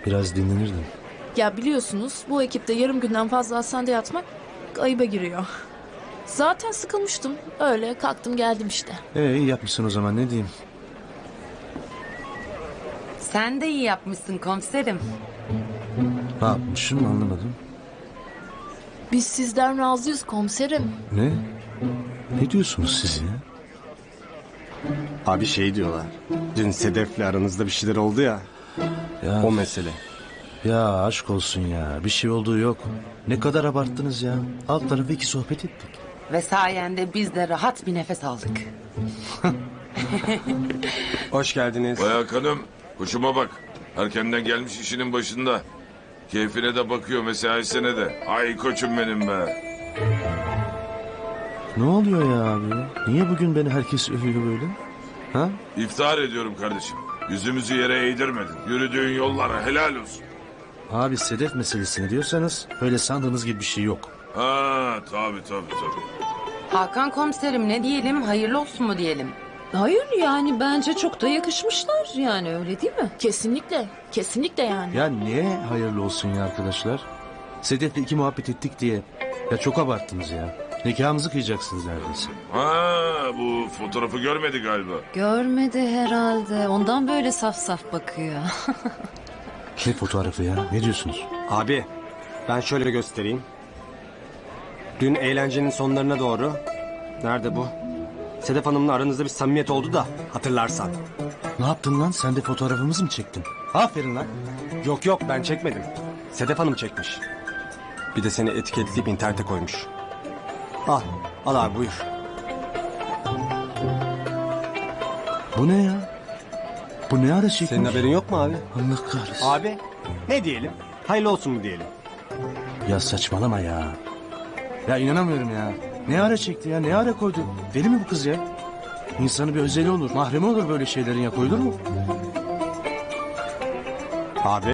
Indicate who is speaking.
Speaker 1: Biraz dinlenirdim.
Speaker 2: Ya biliyorsunuz bu ekipte yarım günden fazla hastanede yatmak ayıba giriyor. Zaten sıkılmıştım. Öyle kalktım geldim işte.
Speaker 1: İyi yapmışsın o zaman, ne diyeyim.
Speaker 3: Sen de iyi yapmışsın komiserim.
Speaker 1: Ne yapmışım anlamadım.
Speaker 2: Biz sizden razıyız komiserim.
Speaker 1: Ne? Ne diyorsunuz siz ya?
Speaker 4: Abi şey diyorlar. Dün Sedef'le aranızda bir şeyler oldu ya.
Speaker 1: Ya,
Speaker 4: O mesele.
Speaker 1: ya aşk olsun ya. Bir şey olduğu yok. Ne kadar abarttınız ya. Alt tarafı iki sohbet ettik.
Speaker 3: Ve sayende biz de rahat bir nefes aldık.
Speaker 4: Hoş geldiniz.
Speaker 5: Vay Hakan'ım, hoşuma bak. Erkenden gelmiş işinin başında. Keyfine de bakıyor, mesaisine de. Ay koçum benim be.
Speaker 1: Ne oluyor ya abi? Niye bugün beni herkes övüyor böyle? Ha?
Speaker 5: İftihar ediyorum kardeşim. Yüzümüzü yere eğdirmedin. Yürüdüğün yollara helal olsun.
Speaker 1: Abi Sedef meselesini diyorsanız öyle sandığınız gibi bir şey yok.
Speaker 5: Ha tabii.
Speaker 3: Hakan komiserim ne diyelim, hayırlı olsun mu diyelim?
Speaker 6: Hayır yani bence çok da yakışmışlar yani öyle değil mi?
Speaker 2: Kesinlikle. Kesinlikle yani.
Speaker 1: Ya niye hayırlı olsun ya arkadaşlar? Sedef'le iki muhabbet ettik diye. Ya çok abarttınız ya. Nikahımızı kıyacaksınız neredeyse.
Speaker 5: Ha bu fotoğrafı görmedi galiba.
Speaker 6: Görmedi herhalde ondan böyle saf saf bakıyor.
Speaker 1: Ne fotoğrafı ya? Ne diyorsunuz?
Speaker 4: Abi ben şöyle göstereyim. Dün eğlencenin sonlarına doğru. Nerede bu? Sedef Hanım'la aranızda bir samimiyet oldu da hatırlarsan.
Speaker 1: Ne yaptın lan? Sen de fotoğrafımızı mı çektin? Aferin lan.
Speaker 4: Yok ben çekmedim. Sedef Hanım çekmiş. Bir de seni etiketleyip internete koymuş. Al abi buyur.
Speaker 1: Bu ne ya? Bu ne ara çekmiş?
Speaker 4: Senin haberin yok mu abi?
Speaker 1: Allah kahretsin.
Speaker 4: Abi ne diyelim? Hayırlı olsun mu diyelim?
Speaker 1: Ya saçmalama ya. Ya inanamıyorum ya. Ne ara çekti ya? Ne ara koydu? Deli mi bu kız ya? İnsanı bir özeli olur. Mahremi olur böyle şeylerin, ya koyulur mu?
Speaker 4: Abi